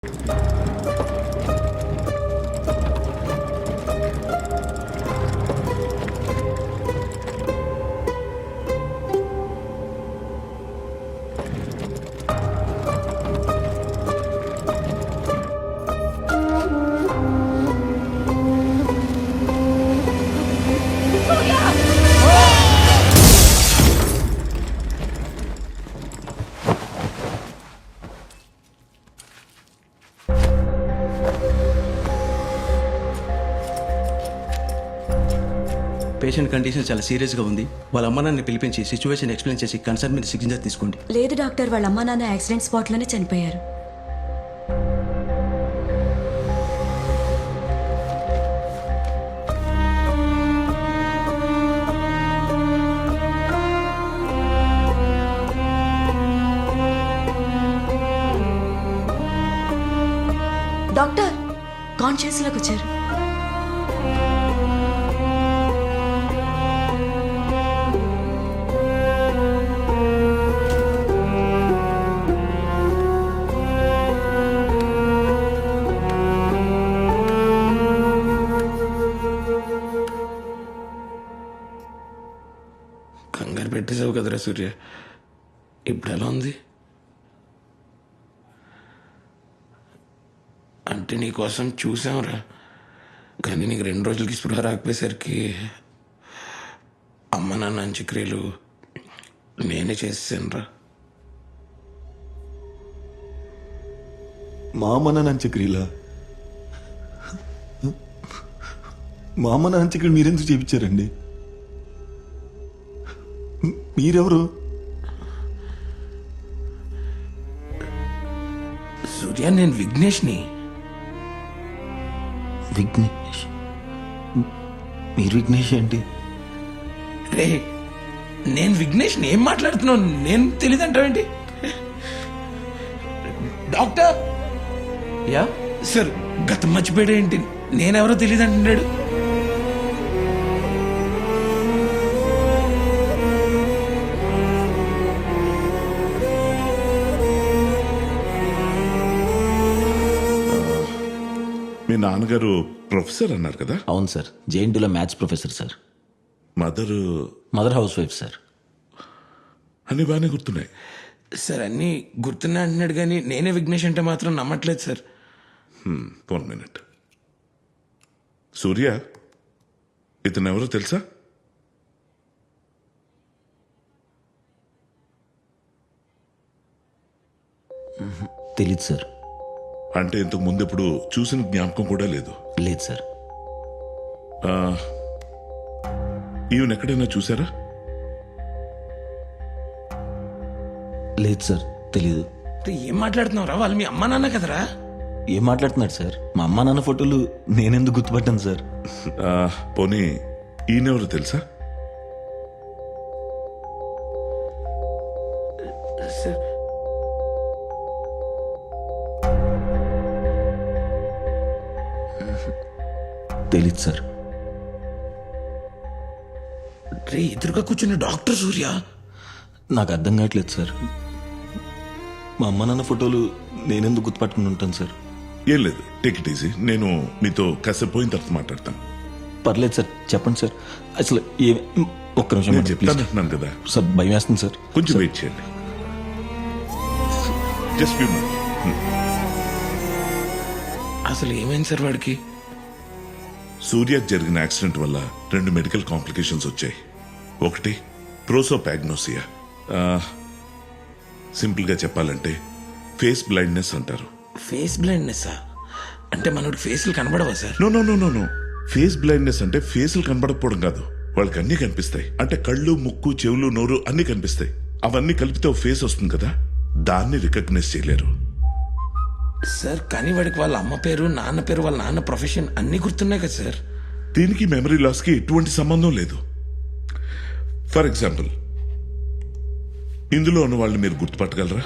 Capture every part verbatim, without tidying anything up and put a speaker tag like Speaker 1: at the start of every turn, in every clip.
Speaker 1: Patient condition చాలా సీరియస్గా ఉంది. వాళ్ళ అమ్మ నాన్నని పిలిపించి సిచ్యువేషన్ ఎక్స్ప్లెయిన్ చేసి కన్సర్న్ మీద సిగ్నేచర్ తీసుకోండి.
Speaker 2: లేదు డాక్టర్, వాళ్ళ అమ్మా నాన్న యాక్సిడెంట్ స్పాట్లోనే చనిపోయారు. డాక్టర్ కాన్షియస్లోకి వచ్చారు.
Speaker 3: కంగారు పెట్టేసావు కదరా సూర్య. ఇప్పుడు ఎలా ఉంది? అంటే నీకోసం చూసాంరా, కానీ నీకు రెండు రోజులకి స్పృహ రాకపోయేసరికి అమ్మ నాన్న అంత్యక్రియలు నేనే చేసేసానురా.
Speaker 4: మా అమ్మ నాన్న అంత్యక్రియలా? మా అమ్మ నాన్న అంత్యక్రియలు మీరెందుకు చేయించారండి? మీరెవరు?
Speaker 3: సూర్య, నేను విఘ్నేష్ని.
Speaker 4: విఘ్నేష్? మీరు విఘ్నేష్ ఏంటి?
Speaker 3: రే, నేను విఘ్నేష్ని. ఏం మాట్లాడుతున్నావు? నేను తెలియదంటావేంటి? డాక్టర్
Speaker 1: యా
Speaker 3: సార్, గతం మర్చిపోయాడు ఏంటి? నేనెవరో తెలియదంటున్నాడు.
Speaker 5: మీ నాన్నగారు ప్రొఫెసర్ అన్నారు కదా?
Speaker 6: అవును సార్, జేఎన్టీలో maths professor sir.
Speaker 5: Mother
Speaker 6: mother housewife sir.
Speaker 5: అన్ని బాగానే గుర్తున్నాయి
Speaker 3: సార్. అన్నీ గుర్తున్నా అంటున్నాడు, కానీ నేనే విఘ్నేష్ అంటే మాత్రం నమ్మట్లేదు సార్.
Speaker 5: One minute. సూర్య, ఇతను ఎవరో తెలుసా?
Speaker 6: తెలీదు సార్.
Speaker 5: అంటే ఇంతకు ముందు ఎప్పుడు చూసిన జ్ఞాపకం కూడా లేదు?
Speaker 6: లేదు సార్.
Speaker 5: ఈవెన్ ఎక్కడైనా చూసారా?
Speaker 6: లేదు సార్, తెలీదు.
Speaker 3: రే, ఏం మాట్లాడుతున్నావురా? వాళ్ళు మీ అమ్మా నాన్న కదరా?
Speaker 6: ఏం మాట్లాడుతున్నాడు సార్? మా అమ్మ నాన్న ఫోటోలు నేనెందుకు గుర్తుపట్టాను సార్?
Speaker 5: ఆ, పోనీ ఈయనెవరో తెలుసా?
Speaker 3: సార్,
Speaker 6: తెలీదు సార్.
Speaker 3: రే, ఎదురుగా కూర్చున్న డాక్టర్ సూర్య.
Speaker 6: నాకు అర్థం కావట్లేదు సార్. మా అమ్మ నాన్న ఫోటోలు నేనెందుకు గుర్తుపట్టుకుని ఉంటాను సార్?
Speaker 5: ఏం లేదు, టేక్ ఇట్ ఈజీ. నేను మీతో కాసేపు పోయిన తర్వాత మాట్లాడతాను.
Speaker 6: పర్లేదు సార్, చెప్పండి సార్. అసలు ఏ ఒక్క నిమిషం
Speaker 5: నేను
Speaker 6: మేడం, ప్లీజ్.
Speaker 5: చెప్తానంటున్నాను కదా,
Speaker 6: సార్ భయం వేస్తుంది సార్.
Speaker 5: కొంచెం వెయిట్ చేయండి. Just few minutes.
Speaker 3: అసలు ఏమైంది సార్ వాడికి?
Speaker 5: సూర్యకు జరిగిన యాక్సిడెంట్ వల్ల రెండు మెడికల్ కాంప్లికేషన్స్ వచ్చాయి. ఒకటి ప్రోసోపాగ్నోసియా. సింపుల్గా చెప్పాలంటే ఫేస్ బ్లైండ్నెస్ అంటారు.
Speaker 3: Face blindness? అంటే మనోడికి ఫేస్లు కనబడవా sir?
Speaker 5: No no no no no face blindness అంటే ఫేసులు కనబడకపోవడం కాదు, వాళ్ళకి అన్నీ కనిపిస్తాయి. అంటే కళ్ళు, ముక్కు, చెవులు, నోరు అన్నీ కనిపిస్తాయి. అవన్నీ కలిపితే ఒక ఫేస్ వస్తుంది కదా, దాన్ని రికగ్నైజ్ చేయలేరు.
Speaker 3: సార్, కానీ వాడికి వాళ్ళ అమ్మ పేరు, నాన్న పేరు, వాళ్ళ నాన్న ప్రొఫెషన్ అన్నీ గుర్తున్నాయి కదా సార్.
Speaker 5: దీనికి మెమరీ లాస్కి ఎటువంటి సంబంధం లేదు. ఫర్ ఎగ్జాంపుల్, ఇందులో ఉన్న వాళ్ళని మీరు గుర్తుపట్టగలరా?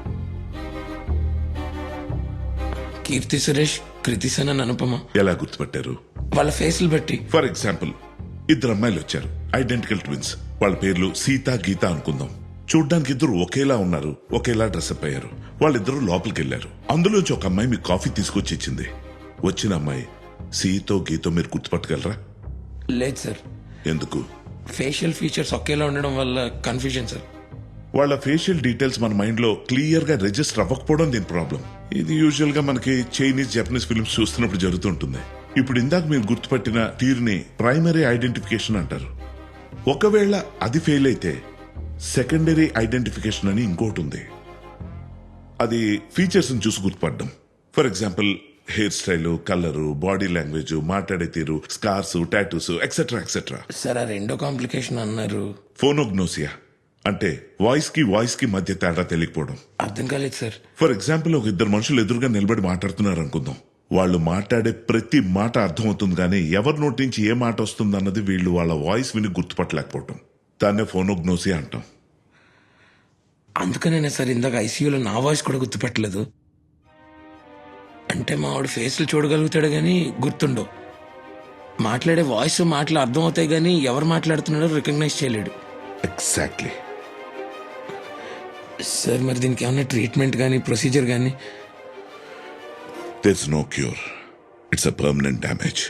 Speaker 3: కీర్తి సురేష్, కృతి సనన్, అనుపమ.
Speaker 5: ఎలా గుర్తుపట్టారు?
Speaker 3: వాళ్ళ ఫేస్లు బట్టి.
Speaker 5: ఫర్ ఎగ్జాంపుల్, ఇద్దరు అమ్మాయిలు వచ్చారు, ఐడెంటికల్ ట్విన్స్. వాళ్ళ పేర్లు సీత, గీత అనుకుందాం. చూడ్డానికి ఇద్దరు ఒకేలా ఉన్నారు, ఒకేలా డ్రెస్అప్ అయ్యారు. వాళ్ళిద్దరూ లోపలికి వెళ్ళారు. అందులోంచి ఒక అమ్మాయి మీకు కాఫీ తీసుకొచ్చి ఇచ్చింది. వచ్చిన అమ్మాయి సీతో గీతో మీరు గుర్తుపట్టగలరా?
Speaker 3: లేదు సార్,
Speaker 5: ఎందుకు?
Speaker 3: ఫేషియల్ ఫీచర్స్ ఒకేలా ఉండడం వల్ల కన్ఫ్యూజన్ సార్.
Speaker 5: వాళ్ళ ఫేషియల్ డీటెయిల్స్ మన మైండ్ లో క్లియర్ గా రిజిస్టర్ అవ్వకపోవడం దీని ప్రాబ్లం. ఇది యూజువల్ గా మనకి చైనీస్, జపనీస్ ఫిల్మ్స్ చూస్తున్నప్పుడు జరుగుతుంటుంది. ఇప్పుడు ఇందాక మీరు గుర్తుపట్టిన తీరుని ప్రైమరీ ఐడెంటిఫికేషన్ అంటారు. ఒకవేళ అది ఫెయిల్ అయితే సెకండరీ ఐడెంటిఫికేషన్ అని ఇంకోటి ఉంది. అది ఫీచర్స్ చూసి గుర్తుపడడం. For example hair style, colour, body language, మాట్లాడే తీరు, scars, tattoos etcetera etcetera.
Speaker 3: Sir ఆ రెండో కాంప్లికేషన్ అన్నారు.
Speaker 5: ఫోనోగ్నోసియా అంటే వాయిస్ కి వాయిస్ కి మధ్య తేడా తెలియకపోవడం.
Speaker 3: అర్థం కాలేదు సార్.
Speaker 5: ఫర్ ఎగ్జాంపుల్ ఒక ఇద్దరు మనుషులు ఎదురుగా నిలబడి మాట్లాడుతున్నారు అనుకుందాం. వాళ్ళు మాట్లాడే ప్రతి మాట అర్థమవుతుంది, కానీ ఎవరి నోటి నుంచి ఏ మాట వస్తుంది అన్నది వీళ్ళు వాళ్ళ వాయిస్ విని గుర్తుపట్టలేకపోవడం. దాన్నే ఫోనోగ్నోసియా అంటాం.
Speaker 3: అందుకనే సార్ ఇందాక ఐసీయూలో నా వాయిస్ కూడా గుర్తుపట్టలేదు. అంటే మా వాడు ఫేస్లు చూడగలుగుతాడు కానీ గుర్తుండవు. మాట్లాడే వాయిస్ మాటలు అర్థం అవుతాయి కానీ ఎవరు మాట్లాడుతున్నాడో రికగ్నైజ్ చేయలేడు.
Speaker 5: ఎగ్జాక్ట్లీ.
Speaker 3: సార్ మరి దీనికి ఏమైనా ట్రీట్మెంట్ కానీ ప్రొసీజర్ కానీ?
Speaker 5: There's no cure. It's a permanent damage.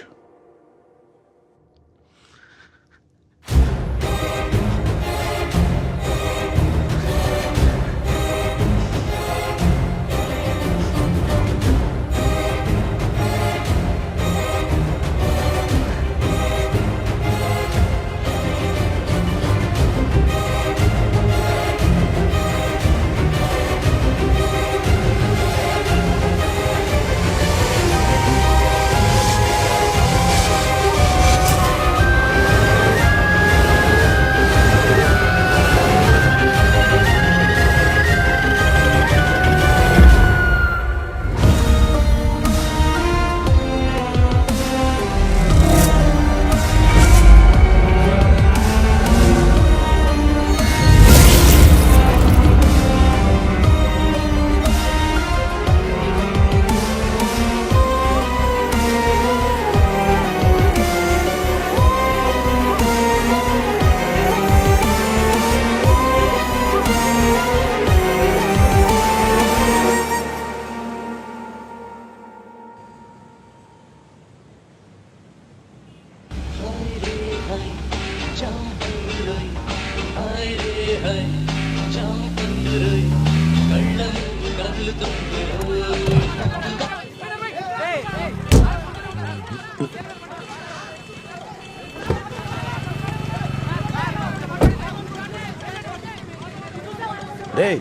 Speaker 1: రేయ్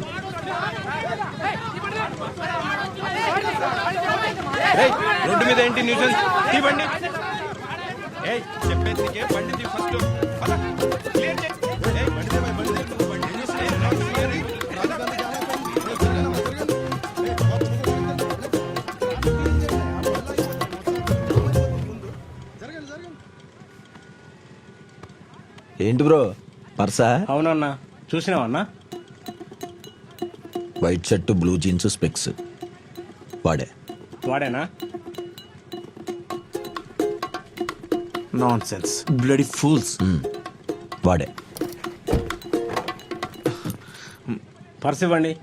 Speaker 1: రేయ్, రోడ్డు మీద ఏంటి న్యూసెన్స్? తీ బండి. ఏయ్, చెప్పేది నీకే, బండి తీ ఫస్ట్. పద, క్లియర్ చేయి. ఏయ్, బండి తీ, బండి తీ, బండి తీ. ఏయ్, రోడ్డు క్లియర్ చేయి.
Speaker 6: ఏంటి బ్రో, పర్సా?
Speaker 7: అవునన్నా, చూసినావన్నా?
Speaker 6: White shirt, blue jeans, specs. వాడే
Speaker 7: వాడేనా?
Speaker 1: Nonsense, bloody fools.
Speaker 6: వాడే.
Speaker 7: పర్స్ ఇవ్వండి.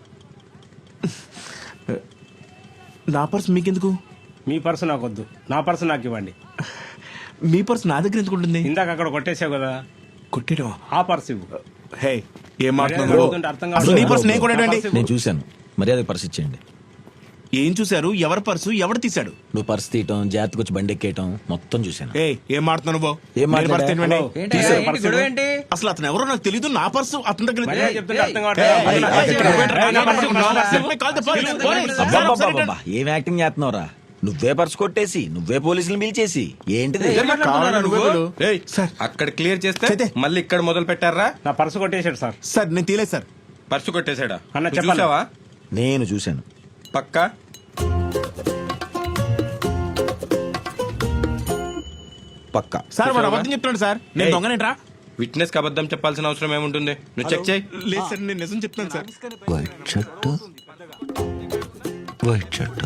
Speaker 1: నా పర్స్ మీకెందుకు?
Speaker 7: మీ పర్సు నాకొద్దు, నా పర్సు నాకు ఇవ్వండి.
Speaker 1: మీ పర్స్ నా దగ్గర ఎందుకు ఉంటుంది?
Speaker 7: ఇందాక అక్కడ కొట్టేసావు కదా,
Speaker 1: కొట్టేయడం.
Speaker 7: ఆ పర్సు ఇవ్వు.
Speaker 1: హే, ఏం
Speaker 7: మర్యాదగా
Speaker 1: మాట్లాడుతున్నారు?
Speaker 7: అడుగుతుంటే అర్థం
Speaker 1: అసలు నీ
Speaker 7: కావట్లేదు.
Speaker 1: పర్స్ నేను కొనేటండి.
Speaker 7: నా పర్సు ఇవ్వు.
Speaker 6: నేను చూశాను, మర్యాద పర్స్ ఇచ్చేయండి.
Speaker 1: ఏం చూశారు? ఎవరి పర్సు ఎవరు తీశాడు?
Speaker 6: నువ్వు పర్స్ తీయటం, జాగ్రత్తగా వచ్చి బండి ఎక్కేయటం మొత్తం చూశాను.
Speaker 1: ఏ ఏం మాట్లాడుతున్నావు బాబు?
Speaker 6: ఏం
Speaker 1: మీరు పర్స్
Speaker 6: మాట్లాడా?
Speaker 1: తినవండి.
Speaker 7: హలో.
Speaker 1: తీశారు.
Speaker 7: ఏంటి,
Speaker 1: పర్సు
Speaker 7: గొడవ
Speaker 1: ఇవ్వు.
Speaker 7: ఏంటి?
Speaker 1: అసలు అతను ఎవరో నాకు తెలియదు. నా పర్సు అతని దగ్గర
Speaker 7: మర్యాద
Speaker 1: లేదు.
Speaker 7: చెప్తుంటే అర్థం
Speaker 1: ఏయ్,
Speaker 7: కావట్లేదు.
Speaker 1: ఏయ్,
Speaker 7: నా
Speaker 1: ఏయ్,
Speaker 7: పర్సు ఇవ్వు.
Speaker 1: ఏయ్,
Speaker 7: నా పర్సు ఇవ్వు. నా పర్సు ఇవ్వు.
Speaker 1: Call the police. Police.
Speaker 6: అబ్బబ్బబ్బబ్బా, ఏం యాక్టింగ్ చేస్తున్నావురా? నువ్వే పర్స్ కొట్టేసి నువ్వే పోలీసులు పిలిచేసి ఏంటిది?
Speaker 1: కావాలా నువ్వు?
Speaker 8: ఏయ్,
Speaker 1: సార్,
Speaker 8: అక్కడ క్లియర్ చేస్తే
Speaker 1: చేతే.
Speaker 8: మళ్ళీ ఇక్కడ మొదలు పెట్టారా?
Speaker 7: నా పర్సు కొట్టేశాడు సార్.
Speaker 1: సార్ నేను తీలేదు సార్.
Speaker 8: పర్సు కొట్టేశాడా?
Speaker 7: అన్న,
Speaker 8: నువ్వు
Speaker 7: చెప్పాలి.
Speaker 8: చూసావా?
Speaker 6: నేను చూశాను.
Speaker 8: పక్కా?
Speaker 6: పక్కా.
Speaker 1: సార్ వాడు
Speaker 8: చూసావా?
Speaker 1: అబద్ధం చెప్తున్నాడు సార్. నేను
Speaker 8: ఏయ్.
Speaker 1: దొంగనేంట్రా?
Speaker 8: విట్నెస్ కి అబద్ధం చెప్పాల్సిన అవసరం ఏముంటుంది? నువ్వు చెక్ చేయి.
Speaker 1: లేదు సార్, నేను నిజం చెప్తాను sir.
Speaker 6: White shirt, white shirt,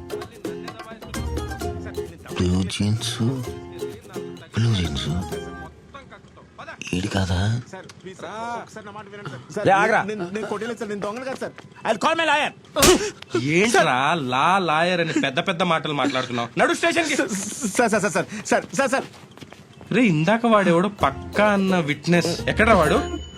Speaker 6: blue jeans, blue jeans. ఈడు కాదా?
Speaker 8: ఏంట్రా లా లాయర్ అని పెద్ద పెద్ద మాటలు మాట్లాడుతున్నావు నడు స్టేషన్ కి
Speaker 9: sir sir sir sir sir sir
Speaker 8: రే ఇందాక వాడెవడో పక్కా అన్న విట్నెస్ ఎక్కడ్రా వాడు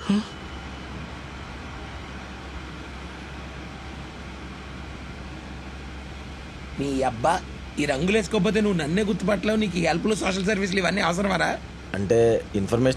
Speaker 3: నీ అబ్బా ఈ రంగులు వేసుకోకపోతే నువ్వు నన్నే గుర్తుపట్టలేవు. నీకు ఈ హెల్ప్లు సోషల్ సర్వీసులు ఇవన్నీ అవసరమారా?
Speaker 6: అంటే ఇన్ఫర్మేషన్